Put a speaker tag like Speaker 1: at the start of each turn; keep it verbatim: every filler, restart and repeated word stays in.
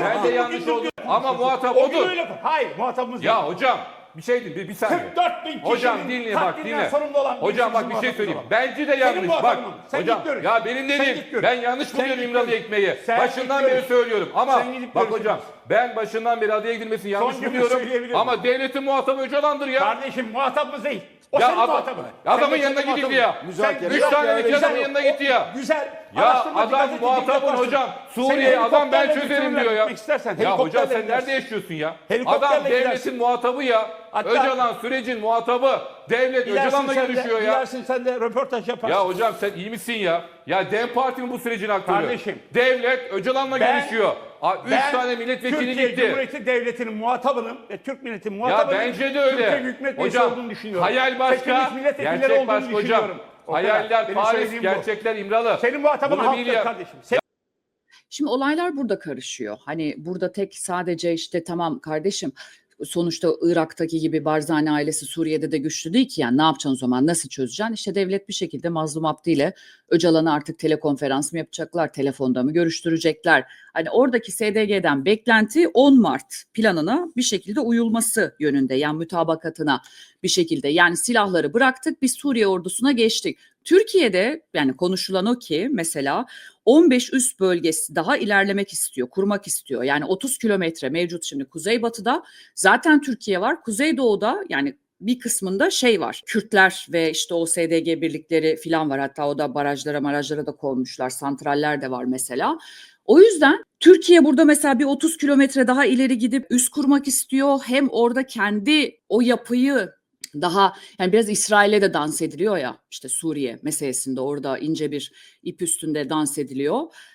Speaker 1: Ben de yanlış oldum. Ama muhatap
Speaker 2: O gün
Speaker 1: odur.
Speaker 2: öyle. Hayır, muhatabımız değil.
Speaker 1: Ya hocam bir şey değil, bir, bir saniye.
Speaker 2: kırk dört bin kişinin
Speaker 1: Hocam dinle bak
Speaker 2: katlinden
Speaker 1: dinle.
Speaker 2: sorumlu olan
Speaker 1: Hocam
Speaker 2: birisi
Speaker 1: bak bir şey
Speaker 2: muhatabımız
Speaker 1: söyleyeyim.
Speaker 2: olan.
Speaker 1: Bence de
Speaker 2: Senin
Speaker 1: yanlış. Bak
Speaker 2: muhatabın. Sen
Speaker 1: hocam
Speaker 2: git görüş.
Speaker 1: ya benim
Speaker 2: Sen
Speaker 1: dediğim
Speaker 2: git görüş.
Speaker 1: ben yanlış
Speaker 2: Sen
Speaker 1: buluyorum
Speaker 2: git
Speaker 1: İmralı
Speaker 2: görüş.
Speaker 1: ekmeği.
Speaker 2: Sen
Speaker 1: Başından
Speaker 2: git
Speaker 1: beri
Speaker 2: görüş.
Speaker 1: söylüyorum ama
Speaker 2: Sen gidip
Speaker 1: bak
Speaker 2: görüş.
Speaker 1: hocam ben başından beri adaya gidilmesini yanlış
Speaker 2: Son cümle
Speaker 1: buluyorum.
Speaker 2: söyleyebilirim.
Speaker 1: Ama devletin muhatabı Öcalan'dır ya.
Speaker 2: Kardeşim muhatabımız değil. O
Speaker 1: Ya
Speaker 2: senin
Speaker 1: adam-
Speaker 2: muhatabın.
Speaker 1: adamın
Speaker 2: Sen de
Speaker 1: yanına
Speaker 2: senin
Speaker 1: gidildi
Speaker 2: muhatabın.
Speaker 1: ya.
Speaker 3: Müzakere.
Speaker 1: Üç
Speaker 3: Yok
Speaker 1: tane
Speaker 3: ya,
Speaker 1: ülke
Speaker 3: öyle
Speaker 1: adamın
Speaker 3: şey
Speaker 1: yanına
Speaker 2: O
Speaker 1: gitti ya.
Speaker 2: Güzel.
Speaker 1: Ya
Speaker 2: Araştırmacı
Speaker 1: adam
Speaker 2: gazetecilik
Speaker 1: muhatabın
Speaker 2: yaparsın.
Speaker 1: hocam.
Speaker 2: Seni
Speaker 1: Suriye adam ben
Speaker 2: helikopterle
Speaker 1: çözerim
Speaker 2: götürürler,
Speaker 1: diyor ya.
Speaker 2: gitmek istersen
Speaker 1: Ya hocam
Speaker 2: helikopterle
Speaker 1: sen
Speaker 2: gidersin.
Speaker 1: nerede yaşıyorsun ya?
Speaker 2: Helikopterle
Speaker 1: Adam devletin
Speaker 2: gidersin.
Speaker 1: muhatabı ya.
Speaker 2: Hatta-
Speaker 1: Öcalan sürecin muhatabı. Devlet
Speaker 2: Gidersin
Speaker 1: Öcalan'la
Speaker 2: sen de-
Speaker 1: görüşüyor ya.
Speaker 2: Gidersin sen de röportaj yaparsın.
Speaker 1: Ya hocam sen iyi misin ya? Ya DEM Parti'nin bu sürecin aktörü.
Speaker 2: Kardeşim.
Speaker 1: Devlet Öcalan'la
Speaker 2: Ben-
Speaker 1: görüşüyor. A, Üç
Speaker 2: Ben
Speaker 1: tane milletvekili
Speaker 2: Türkiye
Speaker 1: gitti.
Speaker 2: Cumhuriyeti Devleti'nin muhatabının ve Türk milletinin
Speaker 1: Ya
Speaker 2: muhatabının
Speaker 1: bence de öyle.
Speaker 2: Türkiye Büyük Millet Meclisi
Speaker 1: Hocam
Speaker 2: olduğunu düşünüyorum.
Speaker 1: hayal başka,
Speaker 2: Seçilmiş milletvekilleri
Speaker 1: gerçek
Speaker 2: olduğunu
Speaker 1: başka hocam.
Speaker 2: düşünüyorum. O kadar.
Speaker 1: Hayaller
Speaker 2: Benim
Speaker 1: Paris,
Speaker 2: söylediğim bu.
Speaker 1: gerçekler İmralı.
Speaker 2: Senin muhatabın
Speaker 1: Bunu bil
Speaker 2: halktır
Speaker 1: ya.
Speaker 2: kardeşim. Sen-
Speaker 4: Şimdi olaylar burada karışıyor. Hani burada tek sadece işte tamam kardeşim sonuçta Irak'taki gibi Barzani ailesi Suriye'de de güçlü değil ki, yani ne yapacaksın o zaman, nasıl çözeceksin? İşte devlet bir şekilde Mazlum Abdi ile Öcalan'ı artık telekonferans mı yapacaklar, telefonda mı görüştürecekler? Hani oradaki S D G'den beklenti on Mart planına bir şekilde uyulması yönünde, yani mütabakatına bir şekilde, yani silahları bıraktık biz Suriye ordusuna geçtik. Türkiye'de yani konuşulan o ki mesela on beş üst bölgesi daha ilerlemek istiyor, kurmak istiyor. Yani otuz kilometre mevcut şimdi Kuzeybatı'da zaten Türkiye var. Kuzeydoğu'da yani bir kısmında şey var. Kürtler ve işte o S D G birlikleri falan var. Hatta o da barajlara marajlara da konmuşlar. Santraller de var mesela. O yüzden Türkiye burada mesela bir otuz kilometre daha ileri gidip üs kurmak istiyor. Hem orada kendi o yapıyı daha, yani biraz İsrail'e de dans ediliyor ya, işte Suriye meselesinde orada ince bir ip üstünde dans ediliyor.